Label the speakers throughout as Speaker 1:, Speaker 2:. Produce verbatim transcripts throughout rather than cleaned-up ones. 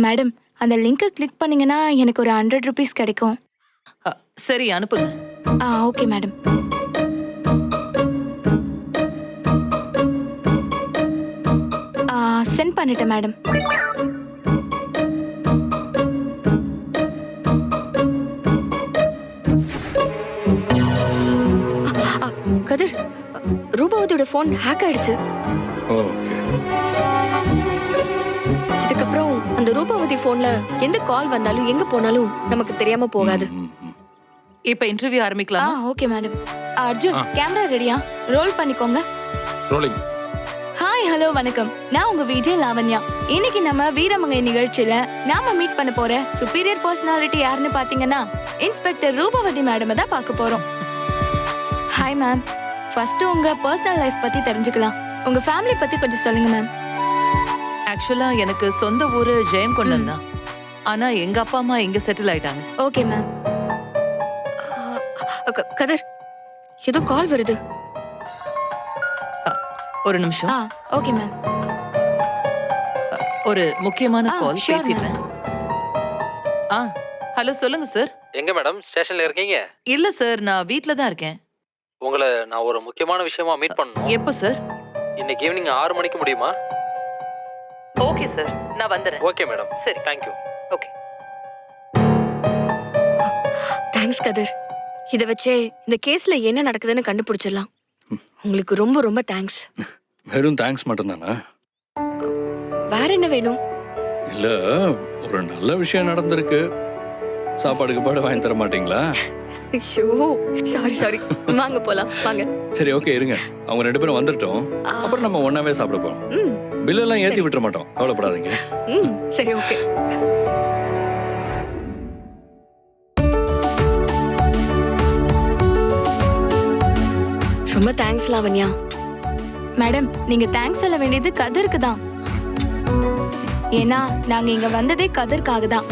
Speaker 1: Madam, அந்த லிங்கை click பண்ணீங்கன்னா எனக்கு ஒரு ஹண்ட்ரட் ருபீஸ் கிடைக்கும்.
Speaker 2: அ, சரி அனுப்புங்க.
Speaker 1: ஆ ஓகே மேடம். ஆ சென்ட் பண்ணிட்டேன் மேடம்.
Speaker 3: கதிர், ரூபாவதியோட போன் ஹேக் ஆயிடுச்சு.
Speaker 4: ஓகே.
Speaker 3: இதுக்கப்புறம் அந்த ரூபாவதி போன்ல எந்த கால் வந்தாலும் எங்க போனாலும் நமக்கு தெரியாம போகாது.
Speaker 2: இப்ப இன்டர்வியூ
Speaker 1: ஆ
Speaker 2: ஆரம்பிக்கலாமா?
Speaker 1: Okay madam. அர்ஜுன், கேமரா ரெடியா? ரோல் பண்ணிக்கோங்க.
Speaker 4: ரோலிங்.
Speaker 1: ஹாய், ஹலோ, வணக்கம். நான் உங்க விஜய் லாவண்யா. இன்னைக்கு நம்ம வீரமங்கை நிகழ்ச்சியில நாம மீட் பண்ண போற சுப்பீரியர் பர்சனாலிட்டி யாருன்னு பாத்தீங்கன்னா இன்ஸ்பெக்டர் ரூபவதி மேடம் தான் பார்க்க போறோம். Hi ma'am. ஃபர்ஸ்ட் உங்க பர்சனல் லைஃப் பத்தி தெரிஞ்சுக்கலாம். உங்க ஃபேமிலி பத்தி கொஞ்சம் சொல்லுங்க மேம்.
Speaker 2: ஆக்சுவலா எனக்கு சொந்த ஊரு ஜெயங்கொண்டம் தான். ஆனா எங்க அப்பா அம்மா இங்க செட்டில் ஆயிட்டாங்க.
Speaker 1: Okay ma'am.
Speaker 3: க- கதிர், ஏதோ கால் வருது.
Speaker 2: அ, ஒரு நிமிஷம்.
Speaker 1: ஆ ஓகே மேம்.
Speaker 2: ஒரு முக்கியமான
Speaker 1: ஆ,
Speaker 2: கால்
Speaker 1: sure,
Speaker 2: பேசிடுறேன். ஆ ஹலோ, சொல்லுங்க சார்.
Speaker 5: எங்க மேடம் ஸ்டேஷன்ல இருக்கீங்க?
Speaker 2: இல்ல சார், நான் வீட்ல தான் இருக்கேன்.
Speaker 5: உங்களை நான் ஒரு முக்கியமான விஷயமா மீட் பண்ணணும்.
Speaker 2: எப்போ சார்?
Speaker 5: இன்னைக்கு ஈவினிங் ஆறு மணிக்கு முடியுமா?
Speaker 2: ஓகே சார், நான் வந்துடுறேன்.
Speaker 5: Okay madam.
Speaker 2: சரி,
Speaker 5: தேங்க்யூ.
Speaker 2: ஓகே.
Speaker 3: தேங்க்ஸ் கதிர். இத வச்சே இந்த கேஸ்ல என்ன நடக்குதுன்னு கண்டுபிடிச்சிடலாம். உங்களுக்கு ரொம்ப ரொம்ப தேங்க்ஸ்.
Speaker 4: வெறும் தேங்க்ஸ் மட்டும்தானா?
Speaker 3: வேற என்ன வேணும்?
Speaker 4: இல்ல, ஒரு நல்ல விஷயம் நடந்திருக்கு. சாப்பாடுக்கு பாடு வாங்கி தர மாட்டீங்களா?
Speaker 3: ஷோ, சாரி சாரி. வாங்க போலாம், வாங்க.
Speaker 4: சரி, ஓகே, இருங்க. அவங்க ரெண்டு பேரும் வந்துட்டோம். அப்புறம் நம்ம ஒன்னாவே சாப்பிட போறோம்.
Speaker 3: ம்
Speaker 4: பில் எல்லாம் ஏத்தி விட்டுற மாட்டோம், கவலைப்படாதீங்க.
Speaker 3: ம் சரி, ஓகே. ரொம்ப தேங்க்ஸ் லாவண்யா.
Speaker 1: மேடம், நீங்க தேங்க்ஸ் சொல்ல வேண்டியது கதிருக்கு தான். ஏன்னா நாங்க இங்க வந்ததே கதிர்க்காக தான்.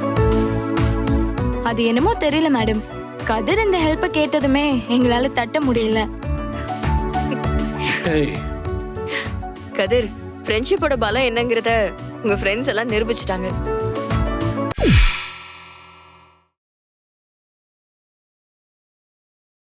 Speaker 1: அது என்னமோ தெரியல மேடம், கதிர் இந்த ஹெல்ப்பை கேட்டதுமே எங்களால தட்ட முடியல.
Speaker 4: ஏய்,
Speaker 3: கதிர், ஃப்ரெண்ட்ஷிப்போட பலம் என்னங்கறத உங்க ஃப்ரெண்ட்ஸ் எல்லாம் நிரூபிச்சிட்டாங்க.